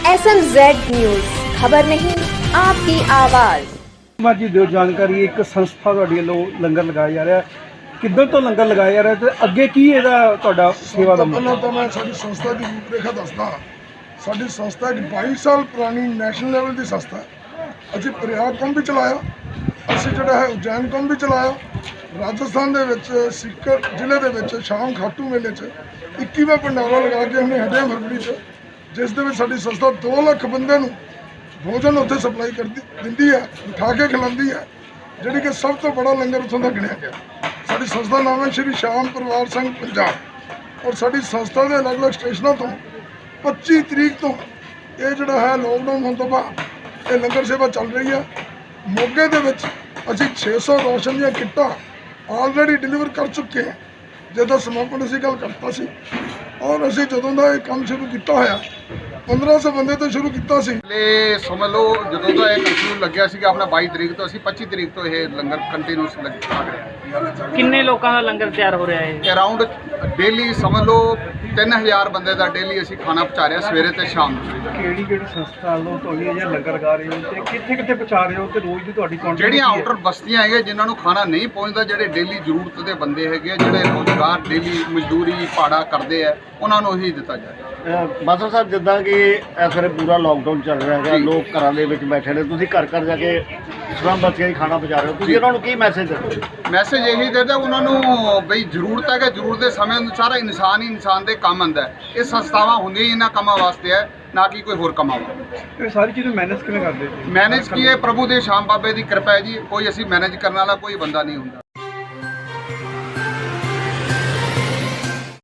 SMZ news, खबर नहीं आपकी आवाज़। ਜੀ ਦਿਓ ਜਾਣਕਾਰੀ। ਇੱਕ ਸੰਸਥਾ ਤੁਹਾਡੀ ਵੱਲੋਂ ਲੰਗਰ ਲਗਾਇਆ ਜਾ ਰਿਹਾ, ਕਿੱਧਰ ਤੋਂ ਲੰਗਰ ਲਗਾਇਆ ਜਾ ਰਿਹਾ ਤੇ ਅੱਗੇ ਕੀ ਇਹਦਾ ਤੁਹਾਡਾ ਸੇਵਾ ਦਾ ਪਹਿਲਾਂ ਤਾਂ ਮੈਂ ਸਾਡੀ ਸੰਸਥਾ ਦੀ ਰੂਪਰੇਖਾ ਦੱਸਦਾ। ਸਾਡੀ ਸੰਸਥਾ ਇੱਕ 22 ਸਾਲ ਪੁਰਾਣੀ ਨੈਸ਼ਨਲ ਲੈਵਲ ਦੀ ਸੰਸਥਾ ਹੈ। ਅਸੀਂ ਪ੍ਰਯਾਗ ਕੰਮ ਵੀ ਚਲਾਇਆ, ਅਸੀਂ ਜਿਹੜਾ ਹੈ ਉਜੈਨ ਕੰਮ ਵੀ ਚਲਾਇਆ। ਰਾਜਸਥਾਨ ਦੇ ਵਿੱਚ ਸੀਕਰ ਜ਼ਿਲ੍ਹੇ ਦੇ ਵਿੱਚ ਸ਼ਾਮ ਖਾਟੂ ਮੇਲੇ 'ਚ 21ਵਾਂ ਭੰਡਾਰਾ ਲਗਾ ਕੇ ਉਹਨੇ ਹਟਿਆ ਫਰਵਰੀ 'ਚ, ਜਿਸ ਦੇ ਵਿੱਚ ਸਾਡੀ ਸੰਸਥਾ 2 ਲੱਖ ਬੰਦੇ ਨੂੰ ਭੋਜਨ ਉੱਥੇ ਸਪਲਾਈ ਕਰਦੀ ਦਿੰਦੀ ਹੈ, ਬਿਠਾ ਕੇ ਖਿਲਾਉਂਦੀ ਹੈ, ਜਿਹੜੀ ਕਿ ਸਭ ਤੋਂ ਬੜਾ ਲੰਗਰ ਉੱਥੋਂ ਦਾ ਗਿਣਿਆ ਗਿਆ। ਸਾਡੀ ਸੰਸਥਾ ਦਾ ਨਾਮ ਹੈ ਸ਼੍ਰੀ ਸ਼ਾਮ ਪਰਿਵਾਰ ਸੰਘ ਪੰਜਾਬ, ਔਰ ਸਾਡੀ ਸੰਸਥਾ ਦੇ ਅਲੱਗ-ਅਲੱਗ ਸਟੇਸ਼ਨਾਂ ਤੋਂ 25 ਤਰੀਕ ਤੋਂ ਇਹ ਜਿਹੜਾ ਹੈ ਲੋਕਡਾਊਨ ਹੋਣ ਤੋਂ ਬਾਅਦ ਇਹ ਲੰਗਰ ਸੇਵਾ ਚੱਲ ਰਹੀ ਹੈ। ਮੋਗੇ ਦੇ ਵਿੱਚ ਅਸੀਂ 600 ਰਾਸ਼ਨ ਦੀਆਂ ਕਿੱਟਾਂ ਆਲਰੇਡੀ ਡਿਲੀਵਰ ਕਰ ਚੁੱਕੇ ਹਾਂ, ਜਿਹਦਾ ਸਮਾਪਨ ਅਸੀਂ ਕੱਲ੍ਹ ਕਰਤਾ ਸੀ। ਔਰ ਅਸੀਂ ਜਦੋਂ ਦਾ ਇਹ ਕੰਮ ਸ਼ੁਰੂ ਕੀਤਾ ਹੋਇਆ 1500 ਬੰਦੇ ਤੋਂ ਸ਼ੁਰੂ ਕੀਤਾ ਸੀ। ਇਹ ਸਮਝ ਲਓ ਜਦੋਂ ਦਾ ਇਹ ਕੰਟੀਨਿਊ ਲੱਗਿਆ ਸੀਗਾ ਆਪਣਾ 22 ਤਰੀਕ ਤੋਂ, ਅਸੀਂ 25 ਤਰੀਕ ਤੋਂ ਇਹ ਲੰਗਰ ਕੰਟੀਨਿਊਸ ਲੱਗ ਰਿਹਾ। ਕਿੰਨੇ ਲੋਕਾਂ ਦਾ ਲੰਗਰ ਤਿਆਰ ਹੋ ਰਿਹਾ ਹੈ? ਅਰਾਊਂਡ ਡੇਲੀ ਸਮਝ ਲਓ 3000 ਬੰਦੇ ਦਾ ਡੇਲੀ ਅਸੀਂ ਖਾਣਾ ਪਹੁੰਚਾ ਰਹੇ ਹਾਂ, ਸਵੇਰੇ ਤੇ ਸ਼ਾਮ ਨੂੰ। ਕਿਹੜੀ ਸੰਸਥਾ ਵੱਲੋਂ ਤੁਹਾਡੀ ਇਹ ਲੰਗਰ ਲਗਾ ਰਹੇ ਹੋ ਤੇ ਕਿੱਥੇ ਕਿੱਥੇ ਪਹੁੰਚਾ ਰਹੇ ਹੋ ਤੇ ਰੋਜ਼ ਦੀ ਤੁਹਾਡੀ ਕੰਟੈਕਟ ਜਿਹੜੀਆਂ ਆਊਟਰ ਬਸਤੀਆਂ ਹੈਗੀਆਂ ਜਿਨ੍ਹਾਂ ਨੂੰ ਖਾਣਾ ਨਹੀਂ ਪਹੁੰਚਦਾ, ਜਿਹੜੇ ਡੇਲੀ ਜ਼ਰੂਰਤ ਦੇ ਬੰਦੇ ਹੈਗੇ ਆ, ਜਿਹੜੇ ਰੋਜ਼ਗਾਰ ਡੇਲੀ ਮਜ਼ਦੂਰੀ ਭਾੜਾ ਕਰਦੇ ਆ, ਉਹਨਾਂ ਨੂੰ ਹੀ ਦਿੱਤਾ ਜਾਏ। ਬਾਦਲ ਸਾਹਿਬ, ਜਿੱਦਾਂ ਕਿ ਇਸ ਵੇਲੇ ਪੂਰਾ ਲੋਕਡਾਊਨ ਚੱਲ ਰਿਹਾ ਹੈਗਾ, ਲੋਕ ਘਰਾਂ ਦੇ ਵਿੱਚ ਬੈਠੇ ਨੇ, ਤੁਸੀਂ ਘਰ ਘਰ ਜਾ ਕੇ ਸਲਾਮ ਬੱਚਿਆਂ ਦੀ ਖਾਣਾ ਪਹੁੰਚਾ ਰਹੇ ਹੋ, ਤੁਸੀਂ ਉਹਨਾਂ ਨੂੰ ਕੀ ਮੈਸੇਜ ਦਿੰਦੇ? ਮੈਸੇਜ ਇਹੀ ਦਿੰਦਾ ਉਹਨਾਂ ਨੂੰ ਬਈ ਜ਼ਰੂਰਤ ਹੈ ਕਿ ਜ਼ਰੂਰਤ ਦੇ ਸਮੇਂ ਅਨੁਸਾਰ ਇਨਸਾਨ ਹੀ ਇਨਸਾਨ ਦੇ ਕੰਮ ਆਉਂਦਾ ਹੈ। ਇਹ ਸੰਸਥਾਵਾਂ ਹੁੰਦੀਆਂ ਹੀ ਇਹਨਾਂ ਕੰਮਾਂ ਵਾਸਤੇ ਹੈ, ਨਾ ਕਿ ਕੋਈ ਹੋਰ ਕੰਮਾਂ ਵਾਸਤੇ। ਇਹ ਸਾਰੀ ਚੀਜ਼ਾਂ ਮੈਨੇਜ ਕਿਵੇਂ ਕਰਦੇ ਜੀ? ਮੈਨੇਜ ਕੀ ਹੈ, ਪ੍ਰਭੂ ਦੇ ਸ਼ਾਮ ਬਾਬੇ ਦੀ ਕਿਰਪਾ ਹੈ ਜੀ। ਕੋਈ ਅਸੀਂ ਮੈਨੇਜ ਕਰਨ ਵਾਲਾ ਕੋਈ ਬੰਦਾ ਨਹੀਂ ਹੁੰਦਾ।